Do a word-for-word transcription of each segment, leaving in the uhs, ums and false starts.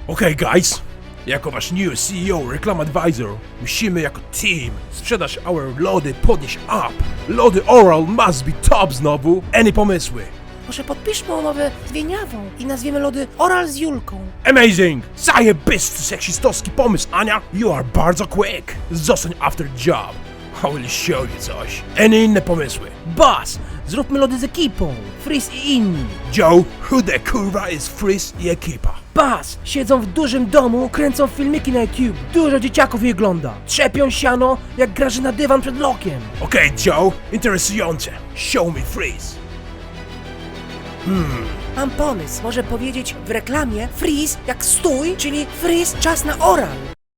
Okej, okay, guys. Jako wasz new C E O, Reclam Advisor, musimy jako team sprzedać our lody, podnieść up. Lody Oral must be top znowu. Any pomysły? Może podpiszmy umowę z Wieniawą i nazwiemy lody Oral z Julką. Amazing! Zajebisty, seksistowski pomysł, Ania! You are bardzo quick! Zostań after job. I will show you coś. Any inne pomysły? Boss, zróbmy lody z ekipą. Freeze i inni. Joe, who the kurwa is Freeze i ekipa? Boss, siedzą w dużym domu, kręcą filmiki na YouTube. Dużo dzieciaków je ogląda. Trzepią siano, jak graży na dywan przed lokiem. Okej, okay, Joe, interesujące. Show me Freeze. Hmm. Mam pomysł, może powiedzieć w reklamie freeze jak stój, czyli freeze czas na oral.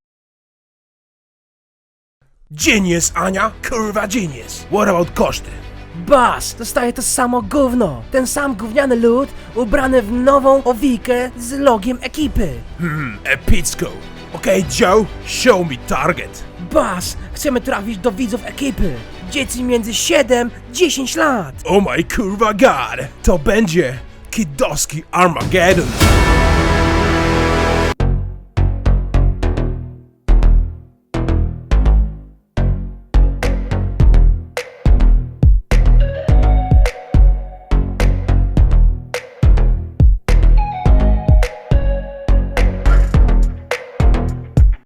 Genius, Ania, kurwa genius. What about koszty? Boss, dostaje to samo gówno. Ten sam gówniany lód ubrany w nową owijkę z logiem ekipy. Hmm, epicko. Okej, okay, Joe, show me target. Boss, chcemy trafić do widzów ekipy. Dzieci między siedem a dziesięć lat. Oh my kurwa god. To będzie kidowski Armageddon.